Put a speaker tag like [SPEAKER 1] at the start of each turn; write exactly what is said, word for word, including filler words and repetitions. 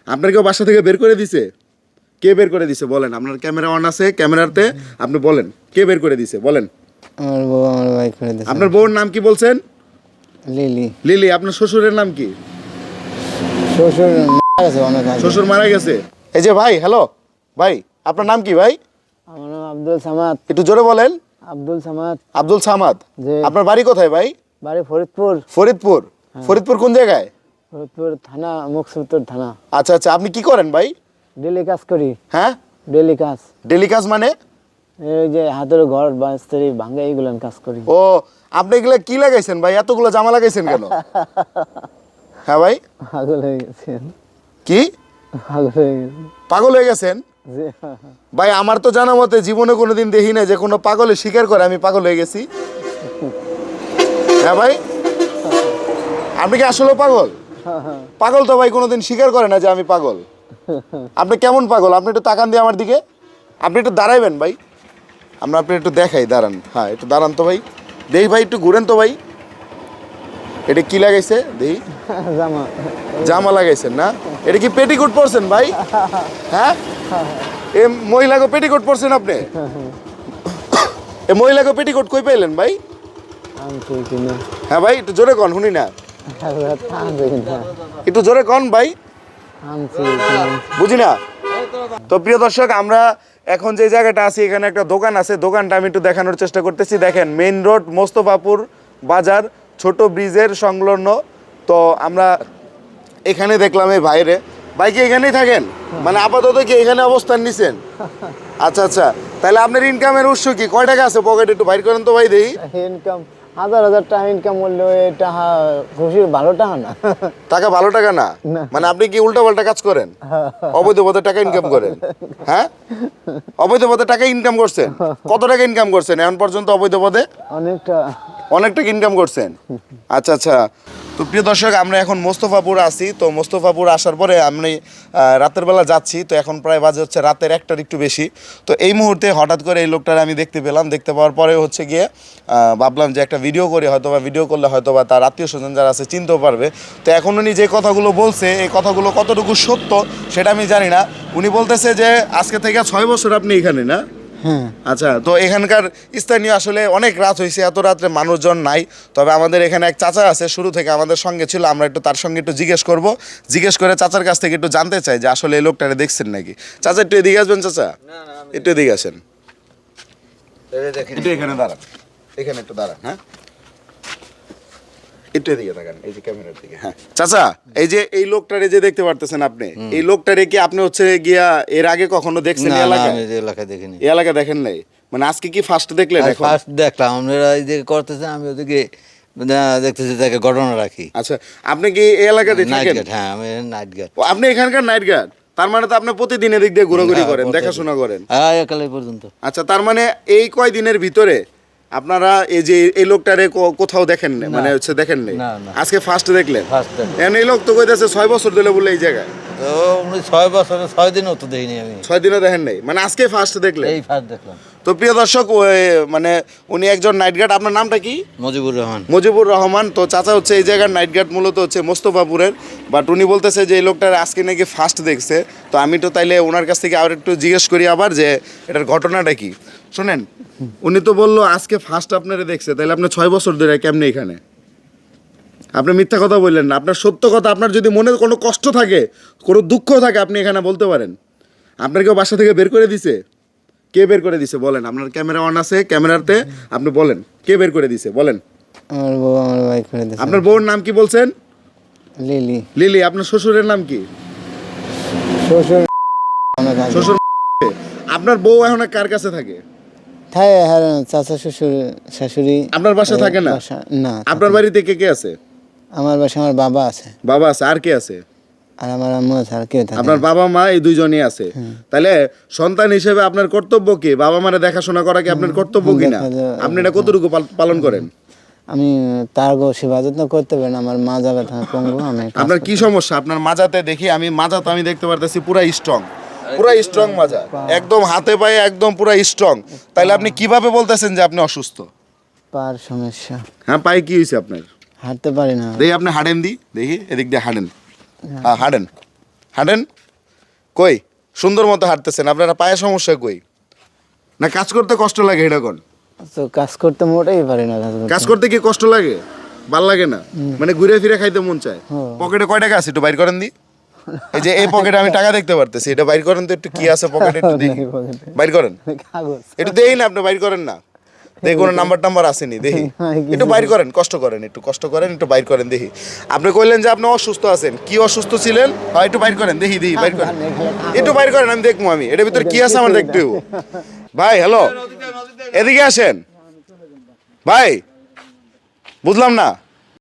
[SPEAKER 1] আপনার কেউ বাসা থেকে বের করে দিছে? কে বের করে দিছে বলেন? আপনার ক্যামেরা অন আছে, ক্যামেরাতে আপনি বলেন কে বের করে দিছে বলেন?
[SPEAKER 2] আমার বউ আমার ভাই করে দিয়েছে।
[SPEAKER 1] আপনার বউর নাম কি বলছেন?
[SPEAKER 2] লিলি।
[SPEAKER 1] লিলি। আপনার শ্বশুরের নাম কি?
[SPEAKER 2] শ্বশুর মারা গেছে অনেক আগে।
[SPEAKER 1] শ্বশুর মারা গেছে। এই যে ভাই, হ্যালো ভাই, আপনার নাম কি ভাই?
[SPEAKER 2] আমার নাম আব্দুল সামাদ।
[SPEAKER 1] একটু জোরে বলেন।
[SPEAKER 2] আব্দুল সামাদ।
[SPEAKER 1] আব্দুল সামাদ।
[SPEAKER 2] জি।
[SPEAKER 1] আপনার বাড়ি কোথায় ভাই?
[SPEAKER 2] বাড়ি ফরিদপুর।
[SPEAKER 1] ফরিদপুর। ফরিদপুর কোন জায়গায়?
[SPEAKER 2] ফরিদপুর থানা, মুকসুদপুর থানা।
[SPEAKER 1] আচ্ছা আচ্ছা, আপনি কি করেন ভাই?
[SPEAKER 2] ডেলি কাজ করি।
[SPEAKER 1] হ্যাঁ,
[SPEAKER 2] ডেলি কাজ।
[SPEAKER 1] ডেলি কাজ মানে?
[SPEAKER 2] এই যে হাতের ঘর বাস্তরি ভাঙা এইগুলো কাজ করি।
[SPEAKER 1] ও, আপনি এগুলা কি লাগাইছেন ভাই? এতগুলো জামা লাগাইছেন কেন? হ্যাঁ ভাই,
[SPEAKER 2] পাগল হয়ে গেছেন।
[SPEAKER 1] কি
[SPEAKER 2] পাগল হয়ে গেছেন?
[SPEAKER 1] পাগল হয়ে গেছেন
[SPEAKER 2] জি।
[SPEAKER 1] ভাই? আমার তো জানা মতে জীবনে কোনোদিন দেখি না যে কোনো পাগলে স্বীকার করে আমি পাগল হয়ে গেছি। হ্যাঁ ভাই, আপনি কি আসলে পাগল? পাগল তো ভাই কোনোদিন স্বীকার করে না যে আমি পাগল। আপনি কেমন পাগল? আপনি একটু তাকান দিয়ে আমার দিকে। আপনি একটু দাঁড়াইবেন ভাই, আমরা আপনি একটু দেখাই, দাঁড়ান। হ্যাঁ, একটু দাঁড়ান তো ভাই, দেখি ভাই, একটু ঘুরেন তো ভাই। এটা কি লাগাইছে দেখি?
[SPEAKER 2] জামা।
[SPEAKER 1] জামা লাগাইছেন না? এটা কি পেটিকোট পরছেন ভাই? হ্যাঁ, এ মহিলাকে পেটিকোট পরছেন আপনি? এ মহিলাকে পেটিকোট কই পাইলেন ভাই?
[SPEAKER 2] আমি ঠিক না।
[SPEAKER 1] হ্যাঁ ভাই, একটু জোরে কন, শুনি না। একটু জোরে কন ভাই, বুঝি না। তো প্রিয় দর্শক, আমরা এখন যে জায়গাটা আছি এখানে একটা দোকান আছে, দোকানটা আমি একটু দেখানোর চেষ্টা করতেছি। দেখেন, মেইন রোড মোস্তফাপুর বাজার, ছোট ব্রিজের সংলগ্ন। তো আমরা এখানে দেখলাম এই ভাইরে। ভাই কি এখানেই থাকেন? মানে আপাতত কি এখানে অবস্থান নিছেন? আচ্ছা আচ্ছা, তাহলে আপনার ইনকামের উৎস কি? কয় টাকা আছে পকেটে? একটু বাইর করেন তো ভাই দেখি।
[SPEAKER 2] ইনকাম হাজার হাজার টাকা ইনকাম করলে টাকা খুশির ভালো টাকা না।
[SPEAKER 1] টাকা ভালো টাকা না? মানে আপনি কি উল্টা পাল্টা কাজ করেন? অবৈধ পথে টাকা ইনকাম করেন? হ্যাঁ, অবৈধ পথে টাকা ইনকাম করছেন? কত টাকা ইনকাম করছেন এখন পর্যন্ত অবৈধ পথে?
[SPEAKER 2] অনেকটা।
[SPEAKER 1] অনেক টাকা ইনকাম করছেন। আচ্ছা আচ্ছা। তো প্রিয় দর্শক, আমরা এখন মোস্তফাপুর আছি। তো মোস্তফাপুর আসার পরে আমি রাতের বেলা যাচ্ছি। তো এখন প্রায় বাজে হচ্ছে রাতের একটার একটু বেশি। তো এই মুহূর্তে হঠাৎ করে এই লোকটার আমি দেখতে পেলাম। দেখতে পাওয়ার পরে হচ্ছে গিয়ে ভাবলাম যে একটা ভিডিও করি, হয়তো বা ভিডিও করলে হয়তো বা তার আত্মীয় স্বজন যারা আছে চিনতেও পারবে। তো এখন উনি যে কথাগুলো বলছে, এই কথাগুলো কতটুকু সত্য সেটা আমি জানি না। উনি বলতেছে যে আজকে থেকে ছয় বছর আপনি এখানে, না?
[SPEAKER 2] হ্যাঁ।
[SPEAKER 1] আচ্ছা, তো এখানকার স্থানীয় আসলে অনেক রাত হয়েছে, এত রাত্রে মানুষজন নাই। তবে আমাদের এখানে এক চাচা আছে, শুরু থেকে আমাদের সঙ্গে ছিল। আমরা একটু তার সঙ্গে একটু জিজ্ঞেস করব, জিজ্ঞেস করে চাচার কাছ থেকে একটু জানতে চাই যে আসলে এই লোকটারে দেখছেন নাকি। চাচা একটু এদিকে আসবেন। চাচা একটু এদিকে আসেন, একটু এখানে দাঁড়ান, এখানে একটু দাঁড়ান। হ্যাঁ, একটু এদিকে তাকান, এই যে ক্যামেরার দিকে। হ্যাঁ চাচা, এই যে এই লোকটারে যে দেখতে পারতেছেন আপনি, এই লোকটারে কি আপনি হচ্ছে গিয়া এর আগে কখনো দেখছেন এই এলাকায়?
[SPEAKER 3] আমি এই এলাকায় দেখিনি।
[SPEAKER 1] এই এলাকা দেখেন নাই? মানে আজকে কি ফার্স্ট দেখলেন? এখন
[SPEAKER 3] ফার্স্ট দেখলাম, আপনারা এই যে করতেছে, আমি ওদিকে দেখতেছি তাকে ঘটনা রাখি।
[SPEAKER 1] আচ্ছা, আপনি কি এই এলাকাতে
[SPEAKER 3] নাইট
[SPEAKER 1] থাকেন?
[SPEAKER 3] গার্ড। হ্যাঁ, আমি নাইট গার্ড।
[SPEAKER 1] ও, আপনি এখানকার নাইট গার্ড? তার মানে তো আপনি প্রতিদিন এদিক দিয়ে ঘোরাঘুরি করেন, দেখাশোনা করেন।
[SPEAKER 3] হ্যাঁ, একালে পর্যন্ত।
[SPEAKER 1] আচ্ছা, তার মানে এই কয় দিনের ভিতরে আপনারা এই যে এই লোকটারে কো- কোথাও দেখেন না, মানে হচ্ছে দেখেন নাই?
[SPEAKER 3] না, না।
[SPEAKER 1] আজকে ফার্স্ট দেখলেন?
[SPEAKER 3] ফার্স্ট দেখলাম।
[SPEAKER 1] এখন এই লোক তো কইতাছে ছয় বছর ধরে বলে এই জায়গায়।
[SPEAKER 3] তো উনি ছয় বছরে ছয় দিনও তো দেখিনি আমি।
[SPEAKER 1] ছয় দিনও দেখেন নাই, মানে আজকে ফার্স্ট দেখলেন?
[SPEAKER 3] এই ফার্স্ট দেখলাম।
[SPEAKER 1] তো প্রিয় দর্শক, ওই মানে উনি একজন নাইট গার্ড। আপনার নামটা কি?
[SPEAKER 3] মুজিবুর রহমান।
[SPEAKER 1] মুজিবুর রহমান। তো চাচা হচ্ছে এই জায়গার নাইট গার্ড, মূলত হচ্ছে মোস্তফাপুরের। বাট উনি বলতেছে যে এই লোকটার আজকে নাকি ফার্স্ট দেখছে। তো আমি তো তাইলে ওনার কাছ থেকে আর একটু জিজ্ঞেস করি আবার যে এটার ঘটনাটা কি। শোনেন, উনি তো বললো আজকে ফার্স্ট আপনারা দেখছে, তাহলে আপনি ছয় বছর ধরে কেমনে এখানে? আপনি মিথ্যা কথা বললেন না, আপনার সত্য কথা। আপনার যদি মনে কোনো কষ্ট থাকে, কোনো দুঃখ থাকে, আপনি এখানে বলতে পারেন। আপনার কেউ বাসা থেকে বের করে দিছে? কে বের করে দিছে বলেন? আপনার ক্যামেরা অন আছে, ক্যামেরাতে আপনি বলেন কে বের করে দিছে বলেন?
[SPEAKER 2] আমার বউ আমার ভাই করে দিয়েছে।
[SPEAKER 1] আপনার বউর নাম কি বলছেন?
[SPEAKER 2] লিলি।
[SPEAKER 1] লিলি। আপনার শ্বশুরের নাম কি?
[SPEAKER 2] শ্বশুর অনেক আগে।
[SPEAKER 1] শ্বশুর। আপনার বউ এখন কার কাছে থাকে?
[SPEAKER 2] থাকে হ্যাঁ, চাচা শ্বশুর শাশুড়ি।
[SPEAKER 1] আপনার বাসা থাকে না?
[SPEAKER 2] বাসা না।
[SPEAKER 1] আপনার বাড়িতে কে কে আছে?
[SPEAKER 2] আমার বাসা আমার বাবা আছে,
[SPEAKER 1] বাবা আছে, আর কে আছে?
[SPEAKER 2] আর আমার আম্মু আছে, আর কেউ থাকে
[SPEAKER 1] আপনার
[SPEAKER 2] না।
[SPEAKER 1] বাবা মা এই দুইজনই আছে। তাহলে সন্তান হিসেবে আপনার কর্তব্য কি? বাবা মারে দেখাশোনা করা কি আপনার কর্তব্য কি না?
[SPEAKER 2] দেখা যায়।
[SPEAKER 1] আপনি এটা কতটুকু পাল- পালন করেন?
[SPEAKER 2] আমি তার গো সেবা যত্ন করতে পারি না, আমার মা যাবে থাকা পঙ্গু। আমি কাজ
[SPEAKER 1] আপনার
[SPEAKER 2] করতে-
[SPEAKER 1] কি সমস্যা? আপনার মাজাতে দেখি আমি, মাজা তো আমি দেখতে পারতেছি পুরা স্ট্রং, পুরা স্ট্রং মাজা, একদম হাতে পায়ে একদম পুরা স্ট্রং। তাইলে আপনি কিভাবে বলতেছেন যে আপনি অসুস্থ?
[SPEAKER 2] পার সমস্যা,
[SPEAKER 1] হ্যাঁ, পায়ে কি হয়েছে আপনার?
[SPEAKER 2] হাঁটতে পারি না।
[SPEAKER 1] দেখি আপনি হাঁটেন দি, দেখি এদিক দিয়ে হাঁটেন। হ্যাঁ, হাঁটেন হাঁটেন। কই সুন্দর মতো হাঁটতেছেন, আপনারা পায়ে সমস্যা কই? না কাজ করতে কষ্ট লাগে এটা কোন?
[SPEAKER 2] তো কাজ করতে মোটেই পারি না কাজ করতে।
[SPEAKER 1] কাজ করতে কি কষ্ট লাগে? ভাল লাগে না? মানে ঘুরে ফিরে খাইতে মন চায়।
[SPEAKER 2] হ্যাঁ।
[SPEAKER 1] পকেটে কয় টাকা আছে একটু বাইর করেন দি। এই যে এই পকেটে আমি টাকা দেখতে পারতেছি, এটা বাইর করেন তো একটু, কি আছে পকেটে একটু দেখি।
[SPEAKER 2] নেই পকেটে।
[SPEAKER 1] বাইর করেন,
[SPEAKER 2] কাগজ
[SPEAKER 1] একটু দেই না, আপনি বাইর করেন না। দেখি কোনো নাম্বার টাম্বার আসেনি, দেখি
[SPEAKER 2] হ্যাঁ, কিছু
[SPEAKER 1] একটু বাইর করেন, কষ্ট করেন, একটু কষ্ট করেন, একটু বাইর করেন দেখি। আপনি কইলেন যে আপনি অসুস্থ আছেন, কি অসুস্থ ছিলেন? হয় একটু বাইর করেন দেখি, দেখি বাইর করেন, একটু বাইর করেন, আমি দেখবো আমি এটার ভিতরে কি আছে আমার দেখতে হইবো। ভাই হ্যালো, এদিকে আসেন ভাই, বুঝলাম না।